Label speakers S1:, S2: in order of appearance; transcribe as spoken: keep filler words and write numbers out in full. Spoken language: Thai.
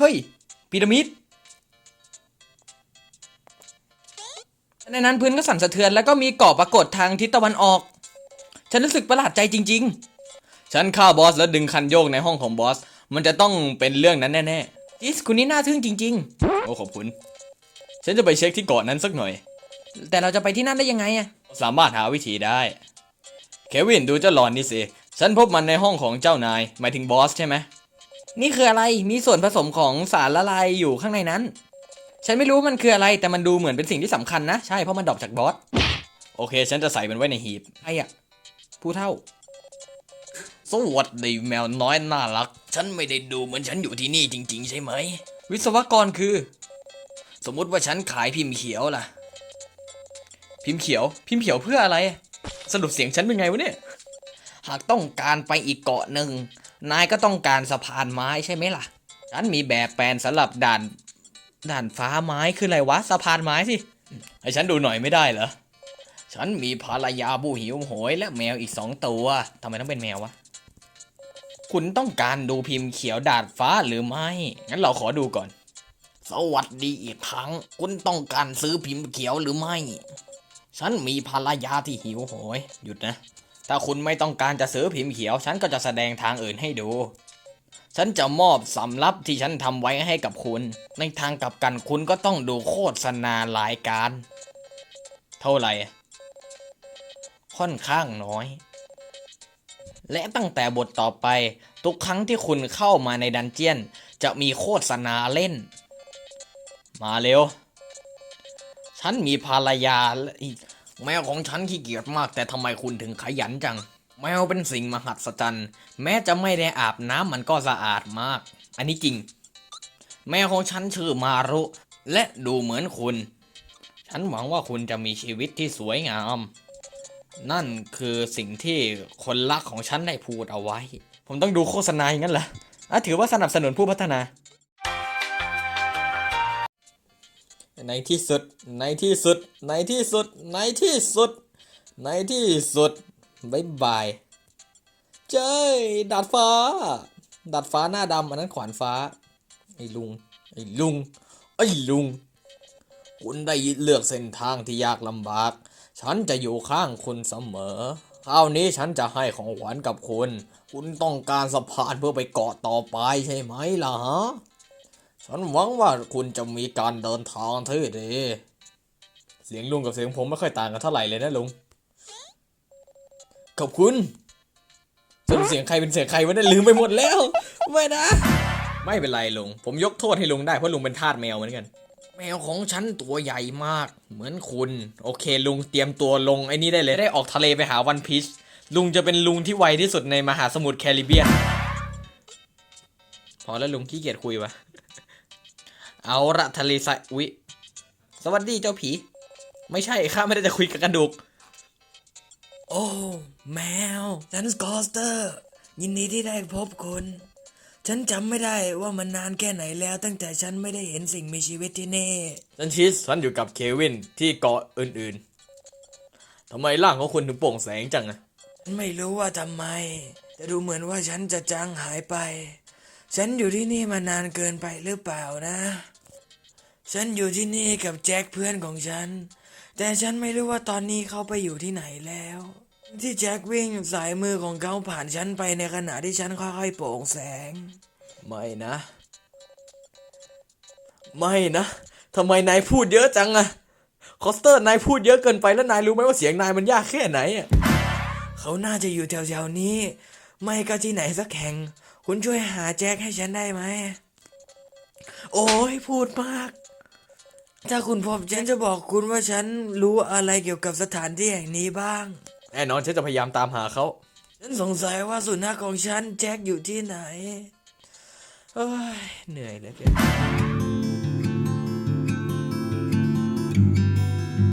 S1: เฮ้ยพีระมิดในนั้นพื้นก็สั่นสะเทือนแล้วก็มีเกาะปรากฏทางทิศตะวันออกฉันรู้สึกประหลาดใจจริงๆฉันฆ่าบอสแล้วดึงคันโยกในห้องของบอสมันจะต้องเป็นเรื่องนั้นแน่ๆอิสคุณนี่น่าทึ่งจริงๆโอ้ขอบคุณฉันจะไปเช็คที่เกาะนั้นสักหน่อยแต่เราจะไปที่นั่นได้ยังไงอะสามารถหาวิธีได้เควินดูเจ้าหลอนนี่สิฉันพบมันในห้องของเจ้านายหมายถึงบอสใช่ไหมนี่คืออะไรมีส่วนผสมของสารละลายอยู่ข้างในนั้นฉันไม่รู้มันคืออะไรแต่มันดูเหมือนเป็นสิ่งที่สำคัญนะใช่เพราะมันดรอปจากบอสโอเคฉันจะใส่มันไว้ในหีบไอ้อะผู้เฒ่าสวัสดีแมวน้อยน่ารักฉันไม่ได้ดูเหมือนฉันอยู่ที่นี่จริงๆใช่ไหมวิศวกรคือสมมุติว่าฉันขายพิมพ์เขียวล่ะพิมพ์เขียวพิมพ์เขียวเพื่ออะไรสรุปเสียงฉันเป็นไงวะเนี่ยหากต้องการไปอีกเกาะหนึ่งนายก็ต้องการสะพานไม้ใช่ไหมล่ะฉันมีแบบแปลนสำหรับด่านด่านฟ้าไม้คืออะไรวะสะพานไม้สิให้ฉันดูหน่อยไม่ได้เหรอฉันมีภรรยาผู้หิวโหยและแมวอีกสองตัวทำไมต้องเป็นแมววะคุณต้องการดูพิมพ์เขียวดาดฟ้าหรือไม่งั้นเราขอดูก่อนสวัสดีอีกครั้งคุณต้องการซื้อพิมพ์เขียวหรือไม่ฉันมีภรรยาที่หิวโหยหยุดนะถ้าคุณไม่ต้องการจะซื้อพิมพ์เขียวฉันก็จะแสดงทางอื่นให้ดูฉันจะมอบสำรับที่ฉันทำไว้ให้กับคุณในทางกลับกันคุณก็ต้องดูโฆษณารายการเท่าไหร่ค่อนข้างน้อยและตั้งแต่บทต่อไปทุกครั้งที่คุณเข้ามาในดันเจียนจะมีโฆษณาเล่นมาเร็วฉันมีภรรยาแมวของฉันขี้เกียจมากแต่ทำไมคุณถึงขยันจังแมวเป็นสิ่งมหัศจรรย์แม้จะไม่ได้อาบน้ำมันก็สะอาดมากอันนี้จริงแมวของฉันชื่อมารุและดูเหมือนคุณฉันหวังว่าคุณจะมีชีวิตที่สวยงามนั่นคือสิ่งที่คนรักของฉันได้พูดเอาไว้ผมต้องดูโฆษณาอย่างนั้นเหรออ่ะถือว่าสนับสนุนผู้พัฒนาในที่สุดในที่สุดในที่สุดในที่สุดในที่สุดบ๊ายบายเจ้ยดาดฟ้าดาดฟ้าหน้าดำอันนั้นขวานฟ้าไอ้ลุงไอ้ลุงไอ้ลุงคุณได้เลือกเส้นทางที่ยากลำบากฉันจะอยู่ข้างคุณเสมอคราวนี้ฉันจะให้ของขวัญกับคุณคุณต้องการสะพานเพื่อไปเกาะต่อไปใช่ไหมล่ะฮะฉันหวังว่าคุณจะมีการเดินทางที่ดีเสียงลุงกับเสียงผมไม่ค่อยต่างกันเท่าไหร่เลยนะลุงขอบคุณสรุปเสียงใครเป็นเสียงใครวะเนี่ยลืมไปหมดแล้วไม่นะไม่เป็นไรลุงผมยกโทษให้ลุงได้เพราะลุงเป็นทาสแมวเหมือนกันแมวของฉันตัวใหญ่มากเหมือนคุณโอเคลุงเตรียมตัวลงไอ้นี่ได้เลยได้ออกทะเลไปหาวันพีชลุงจะเป็นลุงที่ไวที่สุดในมหาสมุทรแคริบเบียนพอแล้วลุงขี้เกียจคุยวะเอาละทะเลทรายอุ๊ยสวัสดีเจ้าผีไม่ใช่ข้าไม่ได้จะคุยกับกระดูกโอ้แมวฉันสกอสเตอร์ยินดีที่ได้พบคุณฉันจำไม่ได้ว่ามันนานแค่ไหนแล้วตั้งแต่ฉันไม่ได้เห็นสิ่งมีชีวิตที่นี่ฉันชิสฉันอยู่กับเควินที่เกาะอื่นๆทำไมร่างของคุณถึงโปร่งแสงจังอะไม่รู้ว่าทำไมแต่ดูเหมือนว่าฉันจะจางหายไปฉันอยู่ที่นี่มานานเกินไปหรือเปล่านะฉันอยู่ที่นี่กับแจ็คเพื่อนของฉันแต่ฉันไม่รู้ว่าตอนนี้เขาไปอยู่ที่ไหนแล้วที่แจ็ควิ่งสายมือของเขาผ่านฉันไปในขณะที่ฉันค่อยๆโปร่งแสงไม่นะไม่นะทำไมนายพูดเยอะจังอะคอสเตอร์นายพูดเยอะเกินไปแล้วนายรู้ไหมว่าเสียงนายมันยากแค่ไหนอะเขาน่าจะอยู่แถวๆนี้ไม่ก็ที่ไหนสักแห่งคุณช่วยหาแจ็คให้ฉันได้ไหมโอ้ยพูดมากถ้าคุณพบฉันจะบอกคุณว่าฉันรู้อะไรเกี่ยวกับสถานที่แห่งนี้บ้างแน่นอนฉันจะพยายามตามหาเขาฉันสงสัยว่าสุนัขของฉันแจ็คอยู่ที่ไหนเอ้ยเหนื่อยเหลือเกิน